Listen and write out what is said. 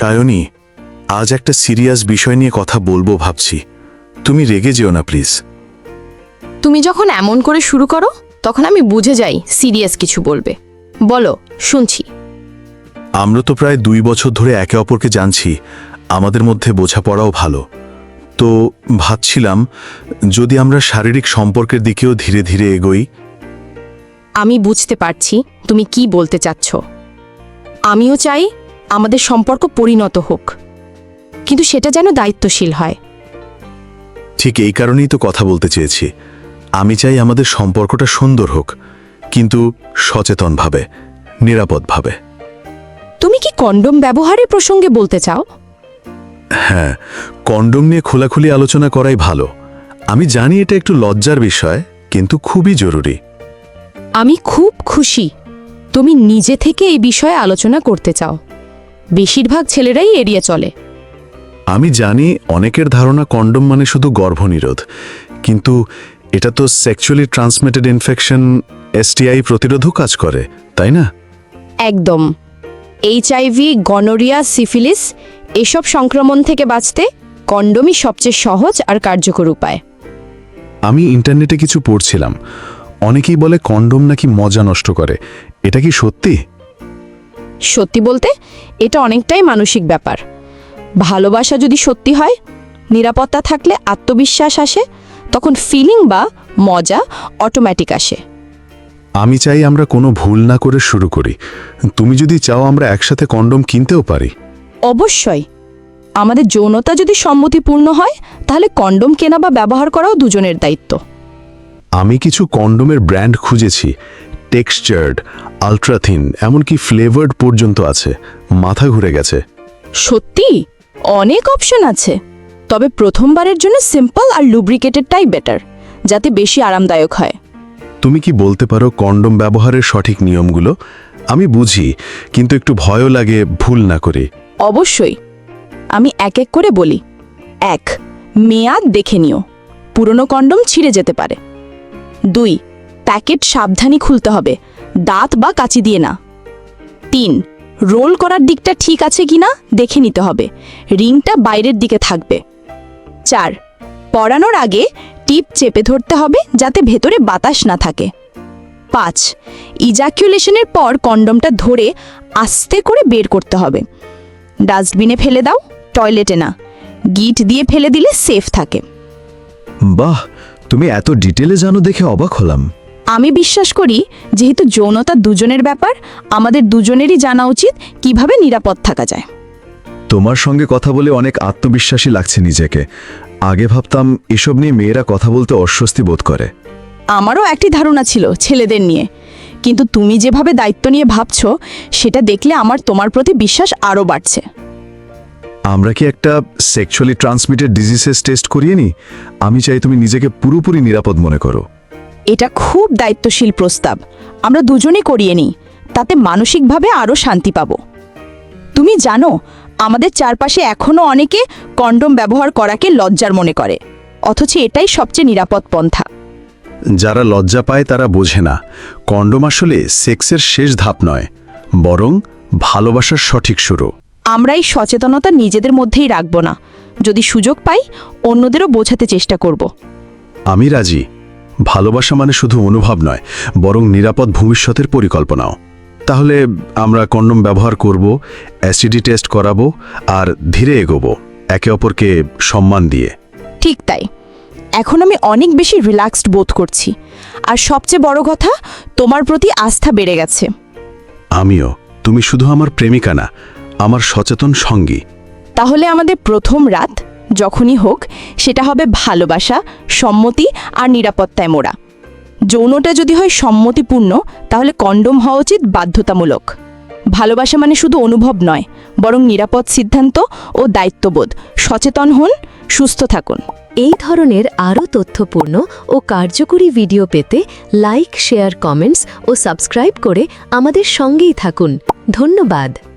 সায়নী, আজ একটা সিরিয়াস বিষয় নিয়ে কথা বলবো ভাবছি। তুমি রেগে যেও না প্লিজ। তুমি যখন এমন করে শুরু করো তখন আমি বুঝে যাই সিরিয়াস কিছু বলবে। বলো, শুনছি। আমরা তো প্রায় 2 বছর ধরে একে অপরকে জানছি, আমাদের মধ্যে বোঝাপড়াও ভালো। তো ভাবছিলাম যদি আমরা শারীরিক সম্পর্কের দিকেও ধীরে ধীরে এগোই। আমি বুঝতে পারছি তুমি কি বলতে চাচ্ছ। আমিও চাই আমাদের সম্পর্ক পরিণত হোক, কিন্তু সেটা যেন দায়িত্বশীল হয়। ঠিক এই কারণেই তো কথা বলতে চেয়েছি। আমি চাই আমাদের সম্পর্কটা সুন্দর হোক, কিন্তু সচেতনভাবে, নিরাপদভাবে। তুমি কি কন্ডোম ব্যবহারের প্রসঙ্গে বলতে চাও? হ্যাঁ, কন্ডোম নিয়ে খোলাখুলি আলোচনা করাই ভালো। আমি জানি এটা একটু লজ্জার বিষয়, কিন্তু খুবই জরুরি। আমি খুব খুশি তুমি নিজে থেকে এই বিষয়ে আলোচনা করতে চাও। বেশিরভাগ ছেলেরাই এড়িয়ে চলে। আমি জানি অনেকের ধারণা কন্ডোম মানে শুধু গর্ভনিরোধ, কিন্তু এটা তো সেক্সুয়ালি ট্রান্সমিটেড ইনফেকশন, এসটিআই প্রতিরোধও কাজ করে, তাই না? একদম। এইচআইভি, গনোরিয়া, সিফিলিস এসব সংক্রমণ থেকে বাঁচতে কন্ডোমই সবচেয়ে সহজ আর কার্যকর উপায়। আমি ইন্টারনেটে কিছু পড়ছিলাম, অনেকেই বলে কন্ডোম নাকি মজা নষ্ট করে। এটা কি সত্যি? সত্যি বলতে এটা অনেকটাই মানসিক ব্যাপার। ভালোবাসা যদি সত্যি হয়, নিরাপত্তা থাকলে আত্মবিশ্বাস আসে, তখন ফিলিং বা মজা অটোমেটিক আসে। আমি চাই আমরা কোনো ভুল না করে শুরু করি। তুমি যদি চাও আমরা একসাথে কন্ডোম কিনতেও পারি। অবশ্যই। আমাদের যৌনতা যদি সম্মতিপূর্ণ হয়, তাহলে কন্ডোম কেনা বা ব্যবহার করাও দুজনের দায়িত্ব। আমি কিছু কন্ডোমের ব্র্যান্ড খুঁজেছি, টেক্সচার্ড, আলট্রাথিন, এমনকি ফ্লেভার্ড পর্যন্ত আছে। মাথা ঘুরে গেছে। সত্যি অনেক অপশন আছে, তবে প্রথমবারের জন্য সিম্পল আর লুব্রিকেটেডটাই বেটার, যাতে বেশি আরামদায়ক হয়। তুমি কি বলতে পারো কন্ডোম ব্যবহারের সঠিক নিয়মগুলো? আমি বুঝি, কিন্তু একটু ভয়ও লাগে ভুল না করে। অবশ্যই, আমি এক এক করে বলি। 1. মেয়াদ দেখে নিও, পুরনো কন্ডোম ছিঁড়ে যেতে পারে। 2. প্যাকেট সাবধানে খুলতে হবে, দাঁত বা কাঁচি দিয়ে না। 3. রোল করার দিকটা ঠিক আছে কিনা দেখে নিতে হবে, রিংটা বাইরের দিকে থাকবে। 4. পরানোর আগে টিপ চেপে ধরতে হবে যাতে ভেতরে বাতাস না থাকে। 5. ইজাকুলেশনের পর কন্ডোমটা ধরে আস্তে করে বের করতে হবে। ডাস্টবিনে ফেলে দাও, টয়লেটে না। গিট দিয়ে ফেলে দিলে সেফ থাকে। বাহ, তুমি এত ডিটেলে জানো দেখে অবাক হলাম। আমি বিশ্বাস করি যেহেতু যৌনতা দুজনের ব্যাপার, আমাদের দুজনেরই জানা উচিত কিভাবে নিরাপদ থাকা যায়। তোমার সঙ্গে কথা বলে অনেক আত্মবিশ্বাসী লাগছে নিজেকে। আগে ভাবতাম এসব নিয়ে মেয়েরা কথা বলতে অস্বস্তি বোধ করে। আমারও একটি ধারণা ছিল ছেলেদের নিয়ে, কিন্তু তুমি যেভাবে দায়িত্ব নিয়ে ভাবছো সেটা দেখলে আমার তোমার প্রতি বিশ্বাস আরও বাড়ছে। আমরা কি একটা সেক্সুয়ালি ট্রান্সমিটেড ডিজিজেস টেস্ট করিয়ে নি? আমি চাই তুমি নিজেকে পুরোপুরি নিরাপদ মনে করো। এটা খুব দায়িত্বশীল প্রস্তাব। আমরা দুজনেই করিয়ে নিই, তাতে মানসিকভাবে আরও শান্তি পাবো। তুমি জানো, আমাদের চারপাশে এখনও অনেকে কন্ডোম ব্যবহার করাকে লজ্জার মনে করে, অথচ এটাই সবচেয়ে নিরাপদ পন্থা। যারা লজ্জা পায় তারা বোঝে না, কন্ডোম আসলে সেক্সের শেষ ধাপ নয়, বরং ভালোবাসার সঠিক শুরু। আমরা এই সচেতনতা নিজেদের মধ্যেই রাখব না, যদি সুযোগ পাই অন্যদেরও বোঝাতে চেষ্টা করব। আমি রাজি। ভালোবাসা মানে শুধু অনুভব নয়, বরং নিরাপদ ভবিষ্যতের পরিকল্পনাও। তাহলে আমরা কন্ডোম ব্যবহার করব, অ্যাসিডি টেস্ট করাবো, আর ধীরে এগোবো, একে অপরকে সম্মান দিয়ে। ঠিক তাই। এখন আমি অনেক বেশি রিল্যাক্সড বোধ করছি, আর সবচেয়ে বড় কথা, তোমার প্রতি আস্থা বেড়ে গেছে। আমিও। তুমি শুধু আমার প্রেমিকা না, আমার সচেতন সঙ্গী। তাহলে আমাদের প্রথম রাত যখনই হোক, সেটা হবে ভালোবাসা, সম্মতি আর নিরাপত্তায় মোড়া। যৌনটা যদি হয় সম্মতিপূর্ণ, তাহলে কন্ডোম হওয়া উচিত বাধ্যতামূলক। ভালোবাসা মানে শুধু অনুভব নয়, বরং নিরাপদ সিদ্ধান্ত ও দায়িত্ববোধ। সচেতন হন, সুস্থ থাকুন। এই ধরনের আরও তথ্যপূর্ণ ও কার্যকরী ভিডিও পেতে লাইক, শেয়ার, কমেন্টস ও সাবস্ক্রাইব করে আমাদের সঙ্গেই থাকুন। ধন্যবাদ।